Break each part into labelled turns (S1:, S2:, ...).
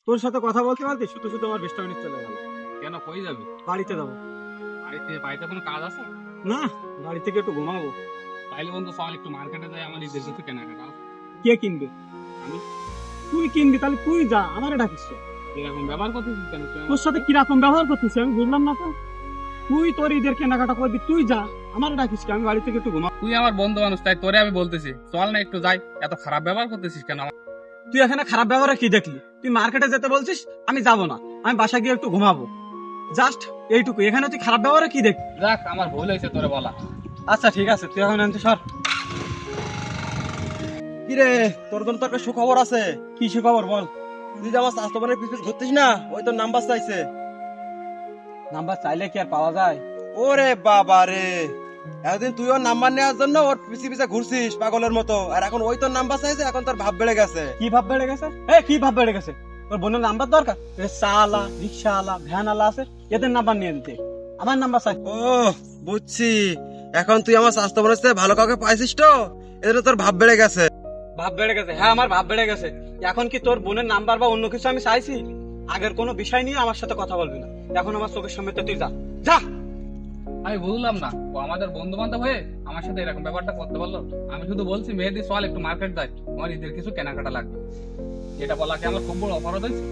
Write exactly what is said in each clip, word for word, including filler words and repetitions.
S1: তোর সাথে কথা বলতে বলতে শুধু শুধু আমার বিশটা মিনিট চলে গেল।
S2: কেন কই যাবি?
S1: বাড়িতে যাবো।
S2: বাড়িতে বাড়িতে কোনো কাজ আছে?
S1: না, বাড়ি থেকে একটু ঘুমাবো।
S2: তাইলে বন্ধু চল একটু মার্কেটে যাই, আমার ঈদের কিছু কেনাকাটা আছে।
S1: কে কিনবে?
S2: আমি।
S1: তুই কিনবি তাহলে তুই যা, আমারে ডাকিস কেন?
S2: এরকম ব্যবহার করতেছিস কেন তুই আমার
S1: তোর সাথে কিরকম ব্যবহার করতেছি আমি বুঝলাম না তো। তুই তোর ঈদের কেনাকাটা করবি, তুই যা, আমারে ডাকিস কেন? আমি বাড়ি থেকে একটু ঘুমাবো।
S2: তুই আমার বন্ধু মানুষ, তাই তোরে আমি বলতেছি চল না একটু যাই। এত খারাপ ব্যবহার করতেছিস কেন আমার?
S1: তুই এখানে খারাপ ব্যবহার কি দেখলি? তুই মার্কেটে যেতে বলছিস, আমি যাবো না, আমি বাসায় গিয়ে একটু ঘুমাবো। জাস্ট এইটুকু। এখানে তুই খারাপ ব্যবহার কি দেখলি?
S2: দেখ আমার ভুল হয়েছে তোরে বলা।
S1: আচ্ছা ঠিক আছে, তুই এখন আনতে সর।
S3: কিরে, তোর জন্য তো একটা সুখবর আছে।
S1: কি খবর বল।
S3: তুই যে আমার স্বাস্থ্যবানের পিছু ঘুরতিস না, ওই তোর নাম্বার চাইছে।
S1: নাম্বার চাইলে কি আর পাওয়া যায়?
S3: ওরে বাবা রে, এতদিন তুই ওর নাম্বার নেওয়ার জন্য ওর পিছে পিছে ঘুরছিস পাগলের মতো, আর এখন ওই তোর নাম্বার চাইছে, এখন তোর ভাব বেড়ে গেছে।
S1: কি ভাব বেড়ে গেছে? এ কি ভাব বেড়ে গেছে? তোর বোনের নাম্বার দরকার? চালা রিক্সা আলা ভ্যান আলা আছে, এদের নাম্বার নিয়ে দিতে আমার নাম্বার চাই।
S3: ও বুঝছি, এখন তুই আমার স্বাস্থ্যবানের সাথে ভালো কাউকে পাইছিস তো, এজন্য তোর ভাব বেড়ে গেছে।
S1: ভাব বেড়ে গেছে? হ্যাঁ, আমার ভাব বেড়ে গেছে। এখন কি তোর বোনের নাম্বার বা অন্য কিছু আমি চাইছি? আগের কোনো বিষয় নিয়ে আমার সাথে কথা বলবি না। এখন আমার চোখের সামনে তো তুই যা যা।
S2: আমি বুঝলাম না, ও আমাদের বন্ধু বান্ধব হয়ে আমার সাথে এরকম ব্যাপারটা করতে পারলো। আমি শুধু বলছি মেহেদি চল একটু মার্কেট যাই, আমার ঈদের কিছু কেনাকাটা লাগবে। এটা বলা কি আমার খুব বড় অপরাধ হয়েছে?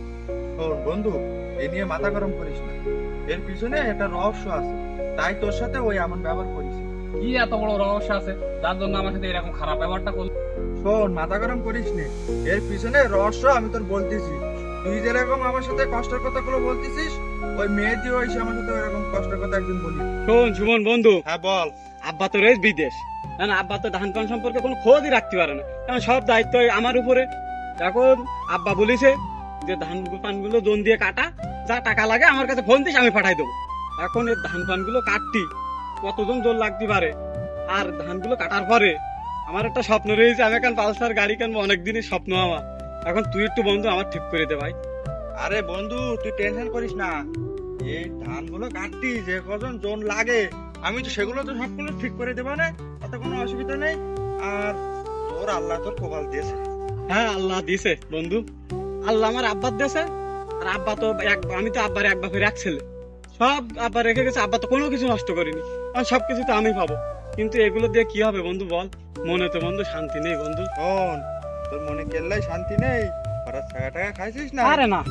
S4: শোন বন্ধু, এ নিয়ে মাথা গরম করিস না, এর পিছনে একটা রহস্য আছে, তাই তোর সাথে ওই এমন ব্যবহার করিস।
S2: কি এত বড় রহস্য আছে যার জন্য আমার সাথে এরকম খারাপ ব্যবহারটা করলো?
S4: শোন, মাথা গরম করিস নে, এর পিছনে রহস্য আমি তোর বলতেছি। তুই যেরকম আমার সাথে কষ্টের কথাগুলো বলতেছিস, ওই মেয়েটি হয়েছে আমার সাথে এরকম কষ্টের কথা একদিন বলি।
S1: শোন সুমন বন্ধু,
S4: হ্যাঁ বল।
S1: আব্বা তো রয়েছে বিদেশ, না না, আব্বা তো ধান পান সম্পর্কে কোনো খোঁজই রাখতে পারে না, কারণ সব দায়িত্ব আমার উপরে। এখন আব্বা বলেছে যে ধান পান গুলো জোন দিয়ে কাটা, যা টাকা লাগে আমার কাছে ফোন দিস, আমি পাঠাই দেবো। এখন এই ধান পান গুলো কাটতি কতজন জোন লাগতে পারে, আর ধানগুলো কাটার পরে আমার একটা স্বপ্ন রয়েছে, আমি এখন পালসার গাড়ি কিনবো, অনেকদিনের স্বপ্ন আমার। এখন তুই একটু বন্ধু আমার ঠিক করে দে ভাই।
S4: আরে বন্ধু, তুই টেনশন করিস না, এই ধানগুলো কাটতি যে কজন জোন লাগে, আমি তো সেগুলো তো সবগুলো ঠিক করে দেবো না, তাতে কোনো অসুবিধা নেই। আর তোর আল্লাহ তোর কপাল দিয়েছে।
S1: হ্যাঁ, আল্লাহ দিছে বন্ধু, আল্লাহ আমার আব্বার দিয়েছে। আর আব্বা তো এক, আমি তো আব্বার এক বাপের এক ছেলে, সব আব্বা রেখে গেছে। আব্বা তো কোনো কিছু নষ্ট করিনি, আর সবকিছু তো আমি পাবো। কিন্তু এগুলো দিয়ে কি হবে বন্ধু বল? মনে তো বন্ধু শান্তি নেই বন্ধু।
S4: শোন, তোর মনে কেল্লাই শান্তি নেই, হঠাৎ ছাগা টাকা খাইছিস না?
S1: আরে না,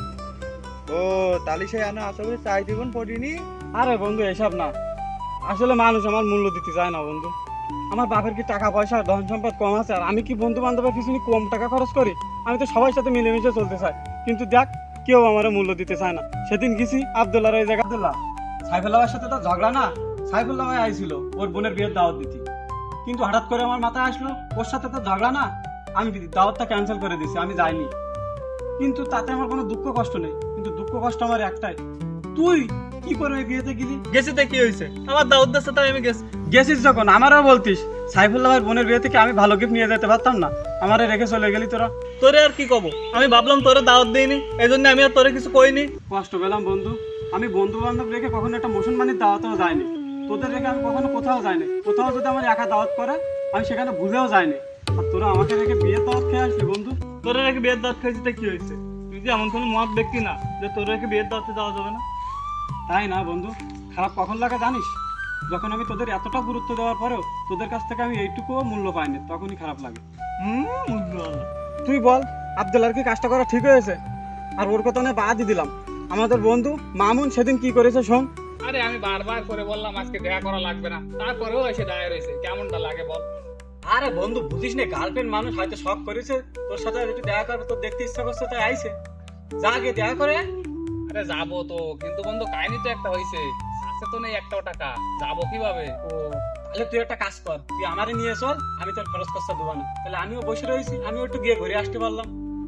S4: ও তালি সে আনা আশা করি চাই দিবন পড়িনি।
S1: আরে বন্ধু এসব না, আসলে মানুষ আমার মূল্য দিতে চায় না বন্ধু। আমার বাপের কি টাকা পয়সা ধন সম্পদ কম আছে, আর আমি কি বন্ধু বান্ধবের পিছনে কম টাকা খরচ করি? আমি তো সবার সাথে মিলেমিশে চলতে চাই, কিন্তু দেখ কেউ আমার মূল্য দিতে চায় না। সেদিন গেছি আব্দুল্লাহর এই জায়গা, আব্দুল্লাহ সাইফুল্লাহর সাথে তো ঝগড়া না, সাইফুল্লাহ ভাই আইছিল ওর বোনের বিয়ের দাওয়াত দিতে, কিন্তু হঠাৎ করে আমার মাথায় আসলো ওর সাথে তো ঝগড়া না, আমি দাওয়াতটা ক্যান্সেল করে দিছি, আমি যাইনি। কিন্তু তাতে আমার কোনো দুঃখ কষ্ট নেই, কিন্তু দুঃখ কষ্ট আমার একটাই, তুই কি করে ওই বিয়েতে গেলি?
S5: গেছিতে কি হয়েছে? আমার দাউদ দাসে তাই আমি গেছি।
S1: গেছিস যখন আমারও বলতিস, সাইফুল্লাহের বোনের বিয়ে থেকে আমি ভালো গিফট নিয়ে যেতে পারতাম না? আমারে রেখে চলে গেলি তোরা।
S5: তোরে আর কি কব, আমি ভাবলাম তোরে দাওয়াত দিইনি, এই জন্য আমি আর তোরে কিছু কইনি।
S1: কষ্ট পেলাম বন্ধু, আমি বন্ধু বান্ধব রেখে কখনো একটা মুসলমানের দাওয়াতেও যাইনি, তোদের রেখে আমি কখনো কোথাও যাইনি। কোথাও যদি আমার একা দাওয়াত করে আমি সেখানে বুঝেও যাইনি, আর তোরা আমাকে রেখে বিয়ে দাওয়াত খেয়ে আসবি বন্ধু।
S5: তোরে রেখে বিয়ের দাওয়াত খাইছিতে কি হয়েছে? তুই যে এমন কোনো মত ব্যক্তি না যে তোরে রেখে বিয়ের দাওয়াতে যাওয়া যাবে না।
S1: তাই না বন্ধু, খারাপ কখন লাগে জানিস? যখন আমি তোদের এতটা গুরুত্ব দেওয়ার পরেও তোদের কাছ থেকে আমি এইটুকুও মূল্য পাইনি, তখনই খারাপ লাগে।
S5: হুম, বুঝলো।
S1: তুই বল, আব্দুল্লাহর কি কাজটা করা ঠিক হয়েছে? আর ওর কথা নিয়ে বাদই দিলাম, আমাদের বন্ধু মামুন সেদিন কি করেছে শোন।
S2: আরে আমি বারবার করে বললাম আজকে দেখা করা লাগবে না, তারপরেও এসে দাঁড়িয়ে রয়েছে, কেমনটা লাগে বল?
S1: আরে বন্ধু বুঝিস না, গার্লফ্রেন্ড মানুষ হয়তো শখ করেছে তোর সাথে একটু দেখা করবে, তোর দেখতে ইচ্ছা করছে তাই আইছে, যা গিয়ে দেখা করে।
S2: আরে যাবো তো, কিন্তু বন্ধু কাহিনী তো একটা হয়েছে, আছে তো নেই একটাও টাকা, যাবো কিভাবে?
S1: ও তাহলে তুই একটা কাজ কর, তুই আমারে নিয়ে চল, আমি তোর খরচ খরচা দেবো না, তাহলে আমিও বসে রয়েছি, আমিও একটু গিয়ে ঘুরে আসতে পারলাম।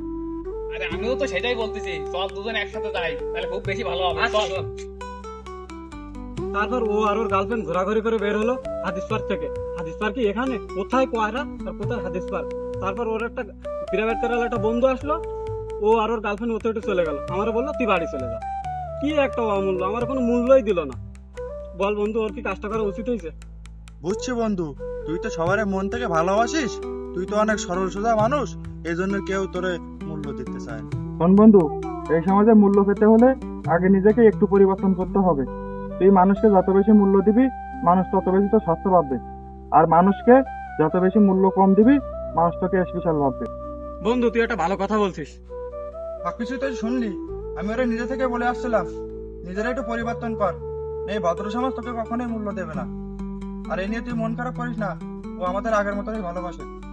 S2: আরে আমিও তো সেটাই বলতেছি, চল দুজন একসাথে যাই, তাহলে খুব বেশি ভালো হবে।
S1: আচ্ছা,
S2: চল।
S1: চল। তারপর ও আর ওর গার্লফ্রেন্ড ঘোরাঘুরি করে বের হলো হাদিস পার্ক থেকে। হাদিস পার্ক কি এখানে? কোথায় কোয়ারা আর কোথায় হাদিস পার্ক? তারপর ওর একটা পিরামিড তেরাল একটা বন্ধু আসলো, ও আর ওর গার্লফ্রেন্ড ওতে উঠে চলে গেল, আমার বললো তুই বাড়ি চলে যা। কি একটা অমূল্য, আমার কোনো মূল্যই দিল না। বল বন্ধু, ওর কি কাজটা করা উচিত হয়েছে?
S4: বুঝছি বন্ধু, তুই তো সবার মন থেকে ভালোবাসিস, তুই তো অনেক সরল সোজা মানুষ, এই জন্য কেউ তোরে মূল্য দিতে চায় না।
S5: শোন বন্ধু,
S4: এই সমাজে মূল্য পেতে হলে আগে নিজেকে একটু পরিবর্তন করতে হবে। তুই মানুষকে যত বেশি মূল্য দিবি, মানুষ তত বেশি তো স্বাস্থ্য পাবে। আর মানুষকে যত বেশি মূল্য কম দিবি, মানুষ তোকে স্পেশাল ভাববে।
S1: বন্ধু তুই একটা ভালো কথা বলছিস।
S4: সবকিছু তুই শুনলি, আমি ওরা নিজে থেকে বলে আসছিলাম নিজেরা একটু পরিবর্তন কর, এই ভদ্র সমাজ তোকে কখনোই মূল্য দেবে না। আর এই নিয়ে তুই মন খারাপ করিস না, ও আমাদের আগের মতনই ভালোবাসে।